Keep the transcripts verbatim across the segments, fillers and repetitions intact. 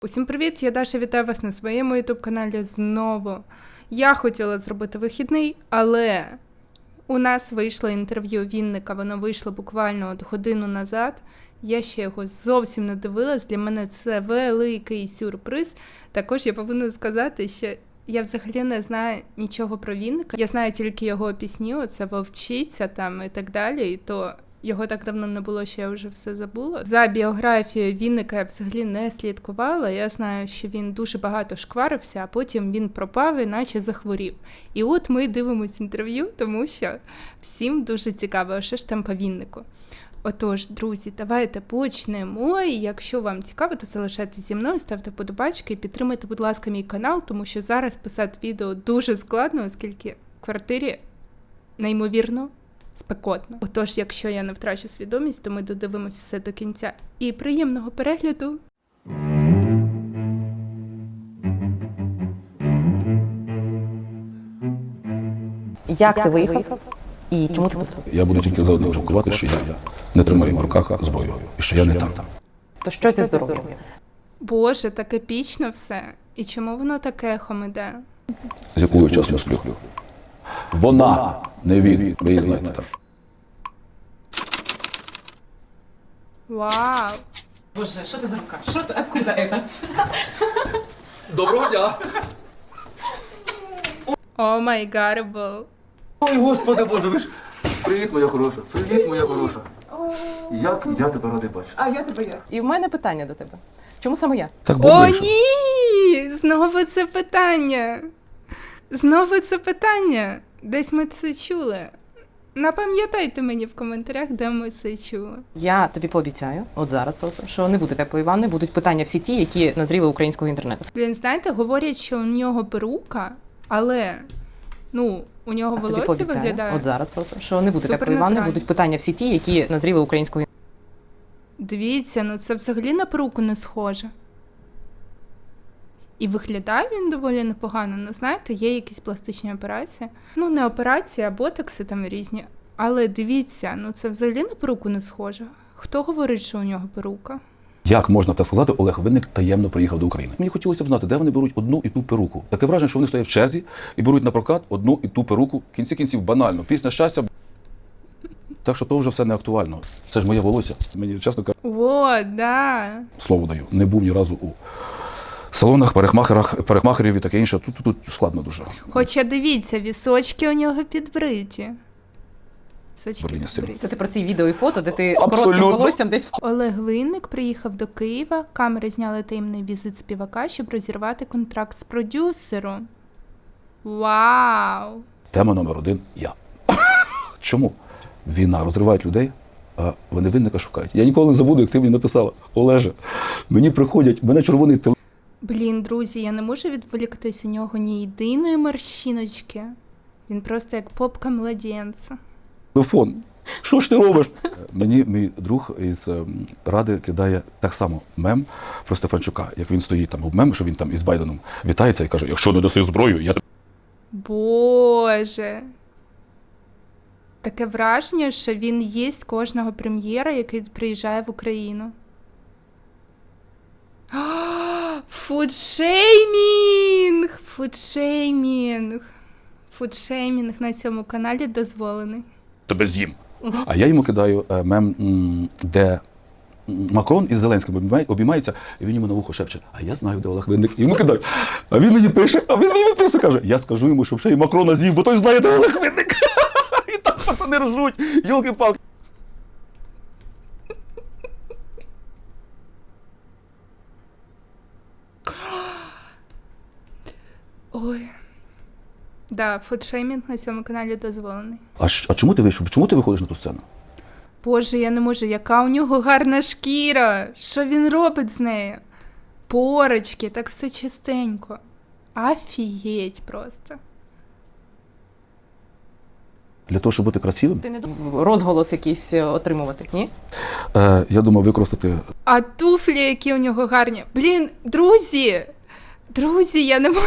Усім привіт, я Даша, вітаю вас на своєму ютуб-каналі знову. Я хотіла зробити вихідний, але у нас вийшло інтерв'ю Вінника, воно вийшло буквально от годину назад. Я ще його зовсім не дивилась, для мене це великий сюрприз. Також я повинна сказати, що я взагалі не знаю нічого про Вінника. Я знаю тільки його пісні, оце «Вовчиця» там і так далі, і то... Його так давно не було, що я вже все забула. За біографією Вінника я взагалі не слідкувала. Я знаю, що він дуже багато шкварився, а потім він пропав і наче захворів. І от ми дивимось інтерв'ю, тому що всім дуже цікаво, що ж там по Віннику. Отож, друзі, давайте почнемо. І якщо вам цікаво, то залишайтеся зі мною, ставте подобачки і підтримайте, будь ласка, мій канал, тому що зараз писати відео дуже складно, оскільки в квартирі неймовірно спекотно. Отож, якщо я не втрачу свідомість, то ми додивимось все до кінця. І приємного перегляду! Як ти виїхав і чому ти тут? Я буду тільки за одне жалкувати, що я не тримаю в руках зброю, і що я не там. То що зі здоров'ям? Боже, так епічно все. І чому воно таке ехом іде? З якого часу я сплю? Вона, не він, ви її знаєте так. Вау! Боже, що це за рука? Що це? Откуда это? Доброго дня! О май гарбл! Ой, господи боже, ви ж... Привіт, моя хороша, привіт, моя хороша. Як я тебе радий бачити. А я тебе як? І в мене питання до тебе. Чому саме я? Так О, було, що... ні! Знову це питання! Знову це питання! Десь ми це чули. Напам'ятайте мені в коментарях, де ми це чули. Я тобі пообіцяю, от зараз просто, що не буде теплої ванни, будуть питання всі ті, які назріли українського інтернету. Блін, знаєте, говорять, що у нього перука, але, ну, у нього Я тобі волосся пообіцяю, виглядає. от зараз просто, що не буде теплої ванни, супернатурально. будуть питання всі ті, які назріли українського інтернету. Дивіться, ну це взагалі на перуку не схоже. І виглядає він доволі непогано. Ну, знаєте, є якісь пластичні операції. Ну, не операції, а ботокси там різні. Але дивіться, ну це взагалі на перуку не схоже. Хто говорить, що у нього перука? Як можна так сказати, Олег Винник таємно приїхав до України? Мені хотілося б знати, де вони беруть одну і ту перуку. Таке враження, що вони стоять в черзі і беруть на прокат одну і ту перуку. В кінці кінців банально. Пісня щастя. Так що то вже все не актуально. Це ж моє волосся. Мені, чесно кажучи, О, да. слово даю. Не був ні разу у салонах, парикмахерах, парикмахерів і таке інше. Тут, тут, тут складно дуже. Хоча дивіться, вісочки у нього підбриті. Вісочки Блін, з цим. підбриті. Це ти про ці відео і фото, де ти з Абсолютно. коротким волоссям десь в Олег Винник приїхав до Києва, камери зняли таємний візит співака, щоб розірвати контракт з продюсером. Вау! Тема номер один – я. Чому? Війна розриває людей, а вони Винника шукають. Я ніколи не забуду, як ти мені написала: Олеже, мені приходять, мене червоний Блін, друзі, я не можу відволіктись, у нього ні єдиної морщиночки. Він просто як попка младенця. телефон. Що ж ти робиш? Мені мій друг із ем, Ради кидає так само мем про Стефанчука, як він стоїть там, мем, що він там із Байденом вітається і каже: якщо не даси зброю, я тебе... Боже. Таке враження, що він їсть кожного прем'єра, який приїжджає в Україну. Фудшеймінг! Фудшеймінг! Фудшеймінг на цьому каналі дозволений. тебе з'їм. А я йому кидаю е, мем, м, де м, Макрон із Зеленським обіймає- обіймається, і він йому на вухо шепче: а я знаю, де Олег Винник. І йому кидають. А він мені пише, а він мені пише, каже: я скажу йому, щоб ще й Макрона з'їв, бо той знає, де Олег Винник. І так пацани ржуть, йолки-палки. Ой. Да, фудшеймінг на цьому каналі дозволений. А, щ- а чому ти вийшов? Чому ти виходиш на ту сцену? Боже, я не можу, яка у нього гарна шкіра! Що він робить з нею? Порочки, так все чистенько. Афієть просто. Для того, щоб бути красивим, ти не думав розголос якийсь е, отримувати, ні? е, я думав використати А туфлі, які у нього гарні. Блін, друзі! Друзі, я не можу.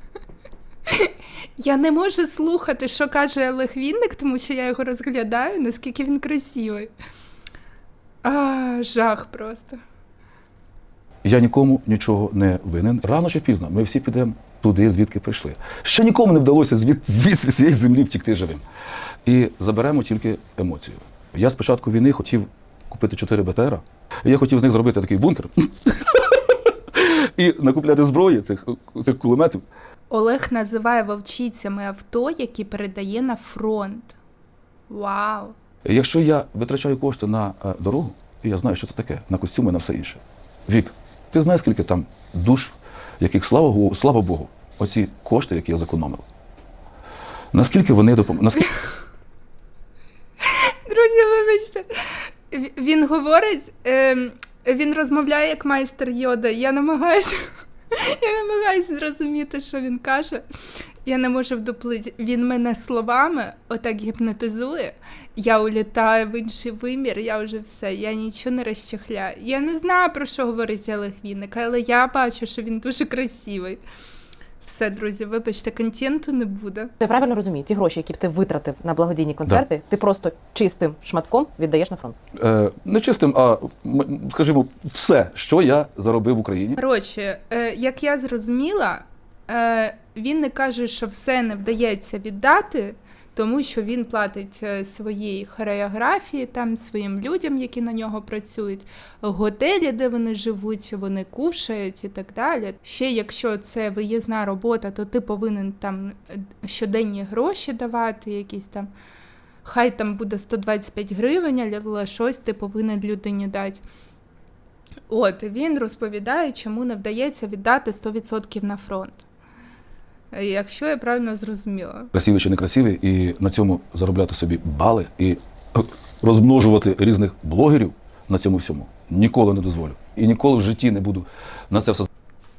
Я не можу слухати, що каже Олег Вінник, тому що я його розглядаю, наскільки він красивий. А, жах просто. Я нікому нічого не винен. Рано чи пізно ми всі підемо туди, звідки прийшли. Ще нікому не вдалося звід, звідси з цієї землі втікти живим. І заберемо тільки емоцію. Я з початку війни хотів купити чотири Б Т Р, і я хотів з них зробити такий бункер і накупляти зброї, цих, цих кулеметів. Олег називає вовчицями авто, які передає на фронт. Вау! Якщо я витрачаю кошти на е, дорогу, і я знаю, що це таке, на костюми, на все інше. Вік, ти знаєш, скільки там душ, яких, слава Богу, слава Богу, оці кошти, які я зекономив. Наскільки вони допомогли? Наскільки... Друзі, вибачте. В- Він говорить, ем, він розмовляє як майстер Йода. Я намагаюся, я намагаюся зрозуміти, що він каже. Я не можу вдуплити. Він мене словами отак гіпнотизує. Я улітаю в інший вимір, я вже все, я нічого не розчехляю. Я не знаю, про що говорить Олег Вінник, але я бачу, що він дуже красивий. Все, друзі, вибачте, контенту не буде. Я правильно розумію, ті гроші, які б ти витратив на благодійні концерти, ти просто чистим шматком віддаєш на фронт. Е, не чистим, а, м, скажімо, все, що я заробив в Україні. Коротше, е, як я зрозуміла, е, він не каже, що все не вдається віддати, тому що він платить е, своїй хореографії, там, своїм людям, які на нього працюють, готелі, де вони живуть, вони кушають і так далі. Ще якщо це виїзна робота, то ти повинен там е, щоденні гроші давати, якісь там, хай там буде сто двадцять п'ять гривень, але щось ти повинен людині дати. От, він розповідає, чому не вдається віддати сто відсотків на фронт. Якщо я правильно зрозуміла. Красивий чи не красивий, і на цьому заробляти собі бали і е, розмножувати різних блогерів на цьому всьому ніколи не дозволю. І ніколи в житті не буду на це все.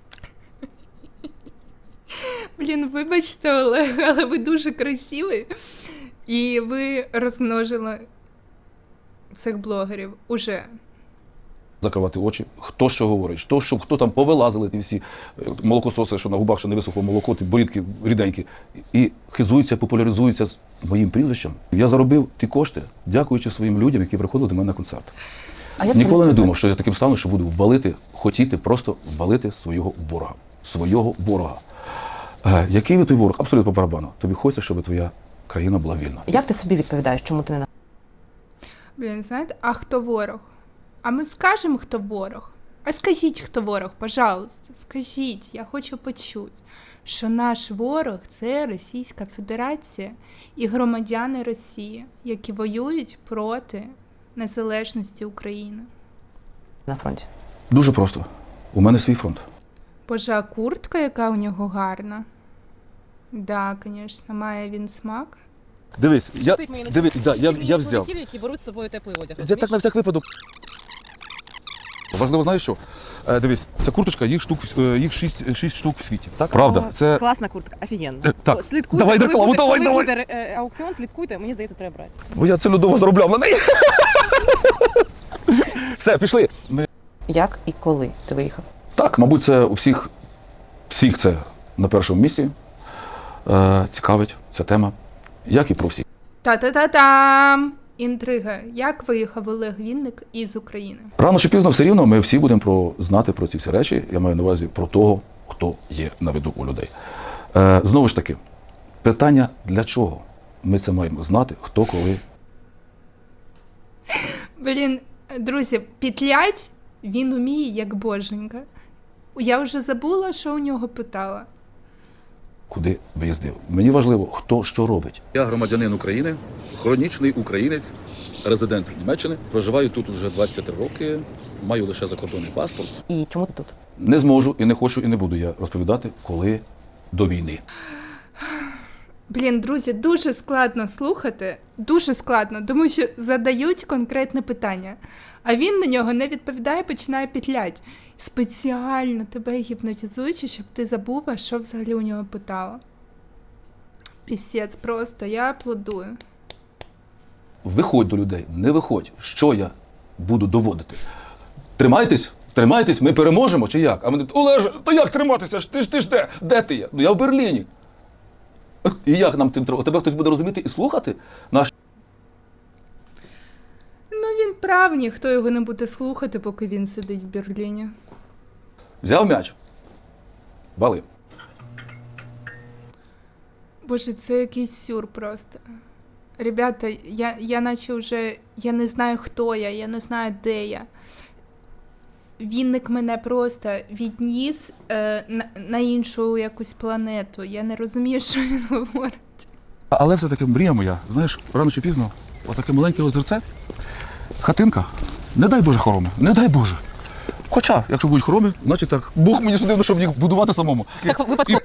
Блін, вибачте, Олег, але ви дуже красивий. І ви розмножили цих блогерів уже. Закривати очі, хто що говорить, хто, що, хто там повилазили, ті всі е, молокососи, що на губах ще не висохло молоко, ті борідки ріденькі, і хизуються, популяризуються з моїм прізвищем. Я заробив ті кошти, дякуючи своїм людям, які приходили до мене на концерт. А як Ніколи ти не себе? думав, що я таким стану, що буду валити, хотіти просто валити свого ворога. Свого ворога. Е, який ви той ворог? Абсолютно по барабану. Тобі хочеться, щоб твоя країна була вільна. Як ти собі відповідаєш, чому ти не на Блін, знаєте, а хто ворог? А ми скажемо, хто ворог? А скажіть, хто ворог, пожалуйста. Скажіть, я хочу почути, що наш ворог – це Російська Федерація і громадяни Росії, які воюють проти незалежності України. на фронті? Дуже просто. У мене свій фронт. Боже, а куртка, яка у нього гарна. Да, звісно, має він смак. Дивись, я, Стоїть мені на дивись, да, я, я взяв. чоловіків, які беруть з собою теплий одяг. Я так на всяк випадок. Важливо, знаєш що? Е, дивись, ця курточка, їх штук, е, їх шість, шість штук в світі. Так? Правда, це... Класна куртка, офігенна. Е, так, Слідкуйте, давай коли рекламу, буде- давай, коли давай. буде е, аукціон, слідкуйте, мені здається, треба брати. Бо я цілодово заробляв на неї. Все, пішли. Ми... Як і коли ти виїхав? Так, мабуть, це у всіх, всіх це на першому місці. Е, цікавить ця тема, як і про всіх. Та-та-та-там! Інтрига. Як виїхав Олег Вінник із України? Рано чи пізно все рівно ми всі будемо про, знати про ці всі речі. Я маю на увазі про того, хто є на виду у людей. Е, знову ж таки, питання для чого? Ми це маємо знати, хто коли. Блін, друзі, петлять він уміє як боженька. Я вже забула, що у нього питала. Куди виїздив. Мені важливо, хто що робить. Я громадянин України, хронічний українець, резидент Німеччини. Проживаю тут уже двадцять три роки, маю лише закордонний паспорт. І чому ти тут? Не зможу і не хочу, і не буду я розповідати, коли до війни. Блін, друзі, дуже складно слухати, дуже складно, тому що задають конкретне питання, а він на нього не відповідає, починає петлять. Спеціально тебе гіпнотизуючи, щоб ти забула, що взагалі у нього питала. Пісець просто, я аплодую. Виходь до людей, не виходь. Що я буду доводити? Тримайтесь, тримайтесь, ми переможемо чи як? А вони, Олеже, то як триматися? Ти ж ти ж де? Де ти є? Ну я в Берліні. І як нам тим треба? Тебе хтось буде розуміти і слухати? Наш Ну він прав, ніхто його не буде слухати, поки він сидить в Берліні. Взяв м'яч. Вали. Боже, це якийсь сюр просто. Ребята, я, я наче вже, я не знаю, хто я, я не знаю, де я. Вінник мене просто відніс е, на, на іншу якусь планету. Я не розумію, що він говорить. Але все-таки мрія моя, знаєш, рано чи пізно, отаке маленьке озерце, хатинка, не дай Боже хороми, не дай Боже. Хоча, якщо будуть хороми, значить так, Бог мені судив, щоб їх будувати самому. Так випадково.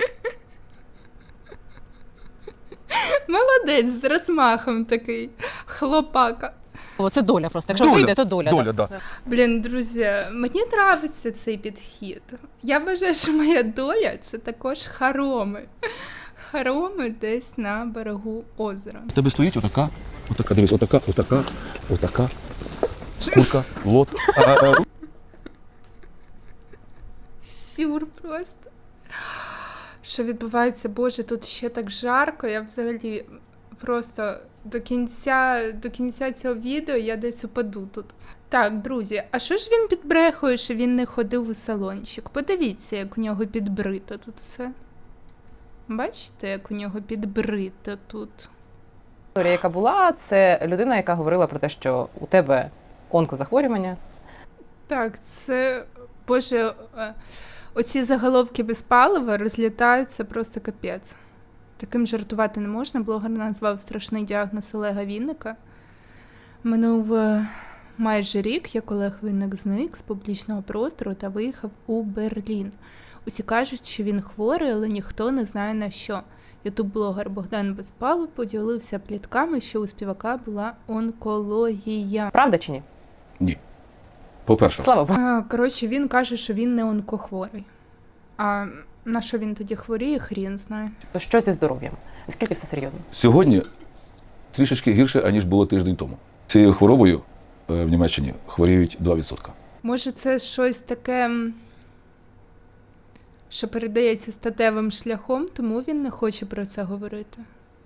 Молодець, з розмахом такий. Хлопака. Це доля просто. Якщо вийде, то доля. Доля, так. Да. Блін, друзі, мені подобається цей підхід. Я вважаю, що моя доля – це також хороми. Хороми десь на берегу озера. В тебе стоїть отака, отака, дивись, отака, отака, отака, шкурка, лот. Сюр просто. Що відбувається? Боже, тут ще так жарко. Я взагалі просто до кінця, до кінця цього відео я десь упаду тут. Так, друзі, а що ж він підбрехує, що він не ходив у салончик? Подивіться, як у нього підбрито тут все. Бачите, як у нього підбрито тут. Історія, яка була, це людина, яка говорила про те, що у тебе онкозахворювання. Так, це, боже, е, оці заголовки без палива розлітаються просто капець. Таким жартувати не можна. Блогер назвав страшний діагноз Олега Вінника. Минув е, майже рік, як Олег Вінник зник з публічного простору та виїхав у Берлін. Усі кажуть, що він хворий, але ніхто не знає на що. Ютуб-блогер Богдан Безпалов поділився плітками, що у співака була онкологія. Правда чи ні? Ні. По-перше, Слава Богу. А, коротше, він каже, що він не онкохворий. А на що він тоді хворіє, хрін знає. То що зі здоров'ям? Наскільки все серйозно? сьогодні трішечки гірше, аніж було тиждень тому. Цією хворобою е, в Німеччині хворіють два відсотки. Може, це щось таке, м, що передається статевим шляхом, тому він не хоче про це говорити.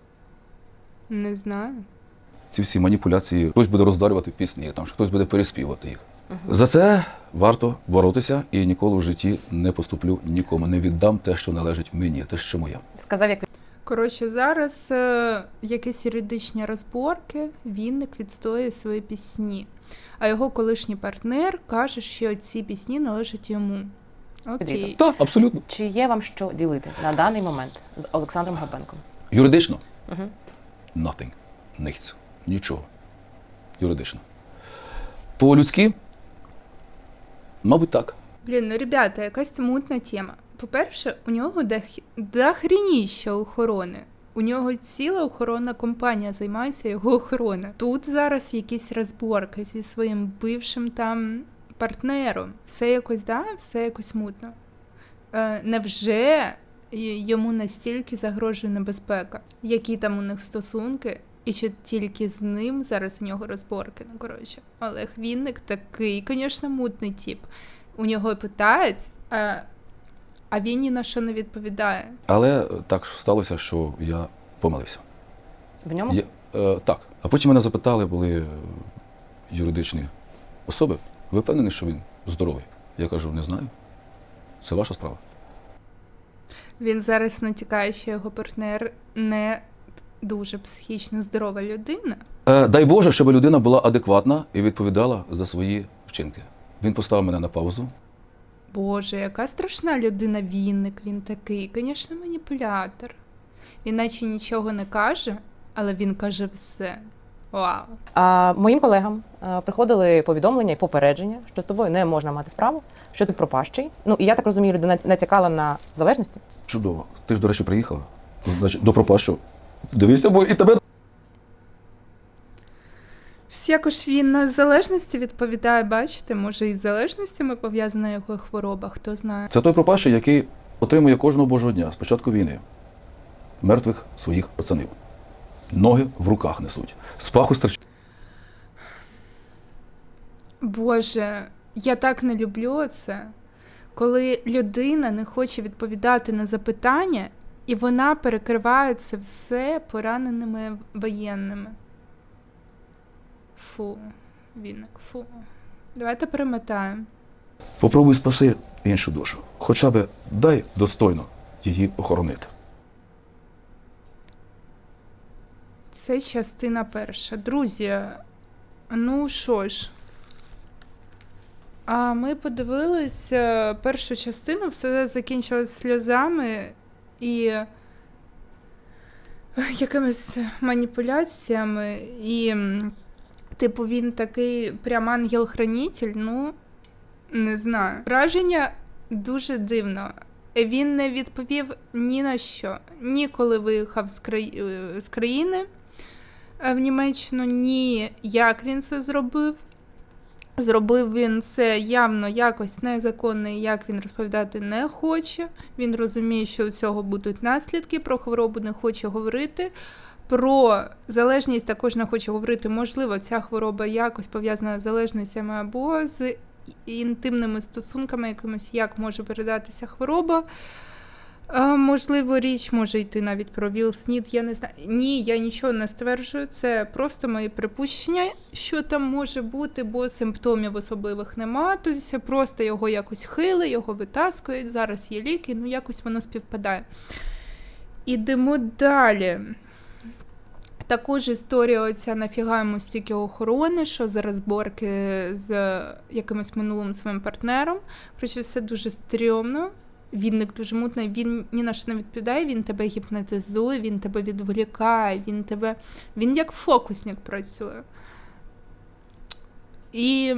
Не знаю. Ці всі маніпуляції, хтось буде роздарювати пісні, там, хтось буде переспівати їх. За це варто боротися і ніколи в житті не поступлю нікому. Не віддам те, що належить мені, те, що моє. Сказав, як Коротше, зараз е, якісь юридичні розборки, Вінник відстоює свої пісні. А його колишній партнер каже, що ці пісні належать йому. Окей. Так, абсолютно. чи є вам що ділити на даний момент з Олександром Горбенком? Юридично? Угу. Nothing. Nichts. Нічого. Юридично. По-людськи? Мабуть, так. Блін, ну, ребята, якась мутна тема. По-перше, у нього дох- дохрініща охорони. У нього ціла охоронна компанія займається його охороною. Тут зараз якісь розборки зі своїм бившим там партнером. Все якось, да, все якось мутно. Е, невже й- йому настільки загрожує небезпека? Які там у них стосунки? І чи тільки з ним зараз у нього розборки? Ну, коротше, Олег Вінник такий, звісно, мутний тип. У нього питають, а, а він ні на що не відповідає. Але так сталося, що я помилився. В ньому? Я, е, так. А потім мене запитали, були е, юридичні особи. Ви впевнені, що він здоровий? Я кажу, не знаю. Це ваша справа. Він зараз натякає, що його партнер не дуже психічно здорова людина. Е, дай Боже, щоб людина була адекватна і відповідала за свої вчинки. Він поставив мене на паузу. Боже, яка страшна людина Вінник, він такий, звісно, маніпулятор. Він наче нічого не каже, але він каже все. Вау. А моїм колегам а, приходили повідомлення і попередження, що з тобою не можна мати справу, що ти пропащий. Ну, і я так розумію, людина натякала на залежності. Чудово. Ти ж, до речі, приїхала. Значить, до пропащу. Дивися, бо і тебе. Щось якось він на залежності відповідає, бачите, може із залежностями пов'язана його хвороба, хто знає. Це той пропащий, який отримує кожного божого дня з початку війни мертвих своїх пацанів. Ноги в руках несуть. З паху стирчить. Боже, я так не люблю це, коли людина не хоче відповідати на запитання, і вона перекриває це все пораненими воєнними. Фу, Вінник, фу. Давайте перемотаємо. Попробуй спаси іншу душу. Хоча б дай достойно її охоронити. Це частина перша. Друзі, ну що ж. А ми подивились е, першу частину, все закінчилось сльозами і е, якимись маніпуляціями. І, м, типу, він такий прям ангел-хранитель, ну, не знаю. Враження дуже дивно. Він не відповів ні на що. Ні коли виїхав з, краї... е, з країни е, в Німеччину, ні як він це зробив. Зробив він це явно якось незаконно, і як він розповідати не хоче. Він розуміє, що у цього будуть наслідки, про хворобу не хоче говорити. Про залежність також не хоче говорити. Можливо, ця хвороба якось пов'язана з залежностями або з інтимними стосунками якимось, як може передатися хвороба. А, можливо, річ може йти навіть про ВІЛ-СНІД, я не знаю. Ні, я нічого не стверджую, це просто мої припущення, що там може бути, бо симптомів особливих нема, тобто просто його якось хили, його витаскують, зараз є ліки, ну якось воно співпадає. Ідемо далі. Також історія оця нафіга йому стільки охорони, що за розборки з якимось минулим своїм партнером. Коротше, все дуже стрьомно. Вінник дуже мутний, він ні на що не відповідає, він тебе гіпнотизує, він тебе відволікає, він тебе... Він як фокусник працює. І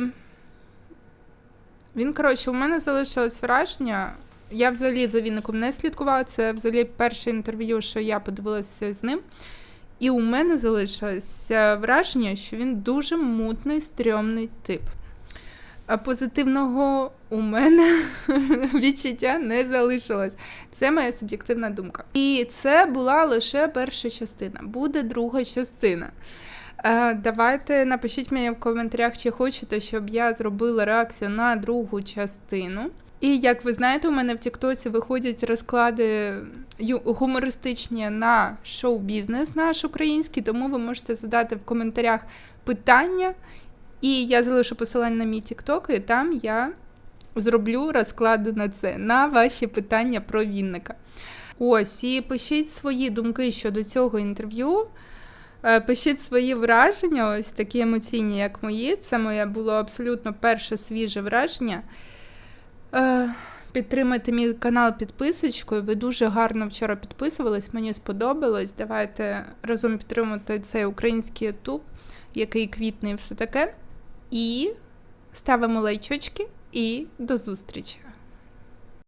він, коротше, у мене залишилось враження, я взагалі за Вінником не слідкувала, це взагалі перше інтерв'ю, що я подивилася з ним. І у мене залишилось враження, що він дуже мутний, стрьомний тип. А позитивного у мене відчуття не залишилось. Це моя суб'єктивна думка. І це була лише перша частина. Буде друга частина. Е, давайте напишіть мені в коментарях, чи хочете, щоб я зробила реакцію на другу частину. І, як ви знаєте, у мене в Тіктоці виходять розклади гумористичні на шоу-бізнес наш український, тому ви можете задати в коментарях питання, і я залишу посилання на мій Тікток, і там я зроблю розклади на це, на ваші питання про Вінника. Ось, і пишіть свої думки щодо цього інтерв'ю, пишіть свої враження, ось такі емоційні, як мої. Це моє було абсолютно перше свіже враження. Підтримайте мій канал підписочкою, ви дуже гарно вчора підписувались, мені сподобалось. Давайте разом підтримувати цей український ютуб, який квітне і все таке. І ставимо лайчочки, і до зустрічі!